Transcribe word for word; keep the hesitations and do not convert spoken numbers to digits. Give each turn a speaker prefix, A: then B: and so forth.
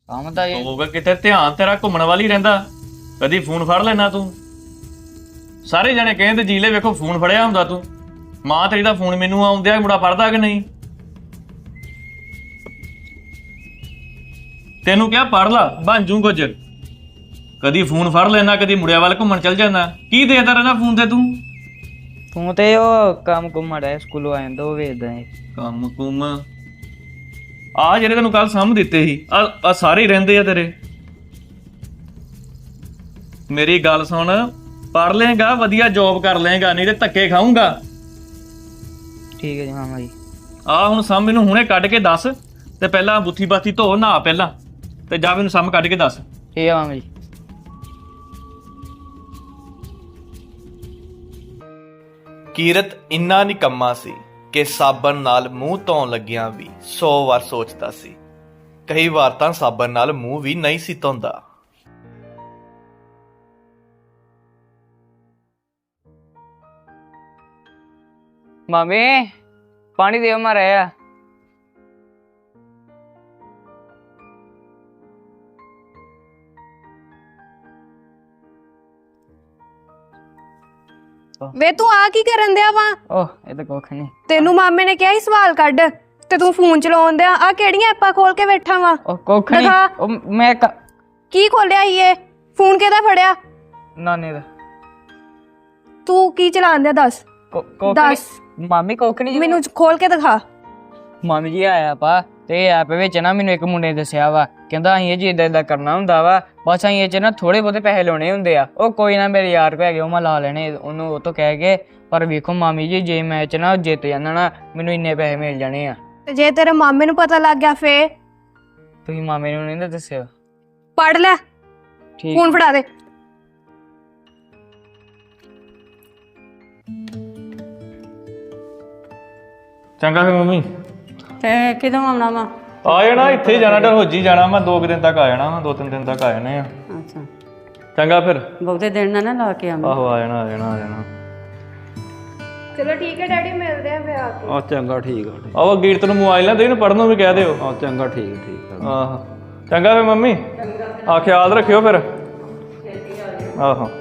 A: ਕੰਮ ਤਾਂ ਇਹ
B: ਹੋਊਗਾ ਕਿਤੇ ਧਿਆਨ ਤੇਰਾ ਘੁੰਮਣ ਵਾਲੀ ਰਹਿੰਦਾ। ਕਦੀ ਫੋਨ ਫੜ ਲੈਣਾ ਤੂੰ। ਸਾਰੇ ਜਣੇ ਕਹਿੰਦੇ ਜੀਲੇ ਵੇਖੋ ਫੋਨ ਫੜਿਆ ਹੁੰਦਾ ਤੂੰ। ਮਾਂ ਤੇਰੀ ਦਾ ਫੋਨ ਮੈਨੂੰ ਆਉਂਦਿਆ ਮੁੰਡਾ ਪੜਦਾ ਕਿ ਨਹੀਂ? ਤੈਨੂੰ ਕਿਹਾ ਪੜ ਲਾ ਬਣ ਜੂ ਕੁਝ। ਕਦੀ ਫੋਨ ਫੜ ਲੈਣਾ, ਕਦੀ ਮੁੰਡਿਆਂ ਵੱਲ ਘੁੰਮਣ ਚੱਲ ਜਾਂਦਾ। ਕੀ ਦੇਖਦਾ ਰਹਿੰਦਾ ਫੋਨ ਤੇ ਤੂੰ?
A: ਤੂੰ ਤੇ ਉਹ ਕੰਮ ਕੁੰਮ ਰਿਹਾ ਸਕੂਲੋਂ ਆਇਆ ਉਹ ਵੇਖਦਾ ਏ।
B: ਕੰਮ ਕੁੰਮ ਆ ਜਿਹੜੇ ਤੈਨੂੰ ਕੱਲ ਸਾਂਭ ਦਿੱਤੇ ਸੀ ਆ ਆ ਸਾਰੇ ਹੀ ਰਹਿੰਦੇ ਆ ਤੇਰੇ। ਮੇਰੀ ਗੱਲ ਸੁਣ, ਪੜ ਲੇਗਾ ਵਧੀਆ ਜੋਬ ਕਰ ਲੇਗਾ, ਨਹੀਂ ਤੇ ਧੱਕੇ ਖਾਊਂਗਾ।
A: ਠੀਕ ਹੈ ਜੀ ਮਾਮਾ ਜੀ।
B: ਆ ਹੁਣ ਸਾਂਭ ਮੈਨੂੰ ਹੁਣੇ ਕੱਢ ਕੇ ਦੱਸ ਤੇ ਪਹਿਲਾਂ ਬੁੱਥੀ ਬਾਥੀ ਧੋ ਨਹਾ ਪਹਿਲਾਂ ਤੇ ਜਾ ਮੈਨੂੰ ਸਾਂਭ ਕੱਢ ਕੇ ਦੱਸ।
A: ਠੀਕ ਹੈ ਮਾਮਾ ਜੀ।
C: ਕੀਰਤ ਇੰਨਾ ਨਿਕੰਮਾ ਸੀ ਕਿ ਸਾਬਣ ਨਾਲ ਮੂੰਹ ਧੋਣ ਲੱਗਿਆਂ ਵੀ ਸੌ ਵਾਰ ਸੋਚਦਾ ਸੀ। ਕਈ ਵਾਰ ਤਾਂ ਸਾਬਣ ਨਾਲ ਮੂੰਹ ਵੀ ਨਹੀਂ ਸੀ ਧੋਂਦਾ।
A: ਮਾਮੇ ਪਾਣੀ ਦਿਓ ਮਾਰਾ ਆ।
D: ਵੇ ਤੂੰ ਆ ਕੀ ਕਰਨ ਦਿਆ ਵਾ?
A: ਓਹ ਇਹ ਤਾਂ ਕੁੱਖ ਨਹੀਂ।
D: ਤੈਨੂੰ ਮਾਮੇ ਨੇ ਕਿਹਾ ਸੀ ਸਵਾਲ ਕੱਢ ਤੇ ਤੂੰ ਫੋਨ ਚਲਾਉਣ ਦਿਆ। ਆ ਕਿਹੜੀਆਂ ਐਪਾਂ ਖੋਲ ਕੇ ਬੈਠਾ ਵਾ?
A: ਉਹ ਕੁੱਖ ਨਹੀਂ।
D: ਦਿਖਾ।
A: ਉਹ ਮੈਂ ਕ-
D: ਕੀ ਖੋਲਿਆ ਈ ਇਹ? ਫੋਨ ਕਿਹਦਾ ਫੜਿਆ?
A: ਨਾਨੇ ਦਾ।
D: ਤੂੰ ਕੀ ਚਲਾਉਣ ਦਿਆ ਦੱਸ?
A: ਕੁ- ਕੁੱਖ
D: ਦੱਸ।
A: ਨਹੀਂ। ਮਾਮੀ ਕੁੱਖ ਨਹੀਂ।
D: ਮੈਨੂੰ ਖੋਲ ਕੇ ਦਿਖਾ।
A: ਮਾਮੀ ਜੀ ਆਇਆ ਪਾ ਤੇ ਐਪ ਵਿੱਚ ਨਾ ਮੈਨੂੰ ਇੱਕ ਮੁੰਡੇ ਨੇ ਦੱਸਿਆ ਵਾ, ਕਹਿੰਦਾ ਅਸੀਂ ਇਹ ਜੀ ਏਦਾਂ ਏਦਾਂ ਕਰਨਾ ਹੁੰਦਾ ਵਾ, ਬਸ ਅਸੀਂ ਇਹ ਚ ਨਾ ਥੋੜੇ ਬਹੁਤੇ ਪੈਸੇ ਲਾਉਣੇ ਹੁੰਦੇ ਆ। ਉਹ ਕੋਈ ਨਾ ਮੇਰੇ ਯਾਰ ਕੋ ਹੈਗੇ ਉਹ ਮੈਂ ਲਾ ਲੈਣੇ ਉਹਨੂੰ ਉਹ ਤੋਂ ਕਹਿ ਕੇ। ਪਰ ਵੇਖੋ ਮਾਮੀ ਜੀ ਜੇ ਮੈਚ ਨਾ ਜਿੱਤ ਜਾਂਦਾ ਨਾ ਮੈਨੂੰ ਇੰਨੇ ਪੈਸੇ ਮਿਲ ਜਾਣੇ ਆ।
D: ਤੇ ਜੇ ਤੇਰੇ ਮਾਮੇ ਨੂੰ ਪਤਾ ਲੱਗ ਗਿਆ ਫੇਰ?
A: ਤੁਸੀਂ ਮਾਮੇ ਨੂੰ ਨਹੀਂ ਦੱਸਿਆ?
D: ਪੜ ਲੈ।
A: ਠੀਕ।
D: ਫੋਨ ਫੜਾ ਦੇ।
B: ਚੰਗਾ ਫਿਰ ਮੰਮੀ।
E: ਤੇ ਕਿਦੋਂ ਆਉਣਾ ਵਾ?
B: ਆ ਜਾਣਾ, ਇੱਥੇ ਹੀ ਜਾਣਾ, ਡਲਹੌਜੀ ਜਾਣਾ ਮੈਂ। ਦੋ ਕੁ ਦਿਨ ਤੱਕ ਆ ਜਾਣਾ ਵਾ, ਦੋ ਤਿੰਨ ਦਿਨ ਤੱਕ ਆ ਜਾਣੇ ਆ।
E: ਅੱਛਾ
B: ਚੰਗਾ ਫਿਰ।
E: ਬਹੁਤੇ ਦਿਨ ਨਾ ਨਾ ਲਾ ਕੇ ਆਵੇਂ।
B: ਆਹੋ ਆ ਜਾਣਾ ਆ ਜਾਣਾ ਆ ਜਾਣਾ।
D: ਚਲੋ ਠੀਕ ਹੈ ਡੈਡੀ, ਮਿਲਦੇ ਆ ਫੇਰ ਆ ਕੇ।
F: ਆ ਚੰਗਾ ਠੀਕ ਆ ਠੀਕ
B: ਆਹ ਗੀਰਤ ਨੂੰ ਮੋਬਾਈਲ ਨਾ ਦੇ, ਇਹਨੂੰ ਪੜ੍ਹਨ ਨੂੰ ਵੀ ਕਹਿ ਦਿਓ।
F: ਆ ਚੰਗਾ ਠੀਕ ਠੀਕ ਆ।
B: ਆਹੋ ਚੰਗਾ ਫਿਰ ਮੰਮੀ। ਆ ਖਿਆਲ ਰੱਖਿਓ ਫਿਰ। ਆਹੋ।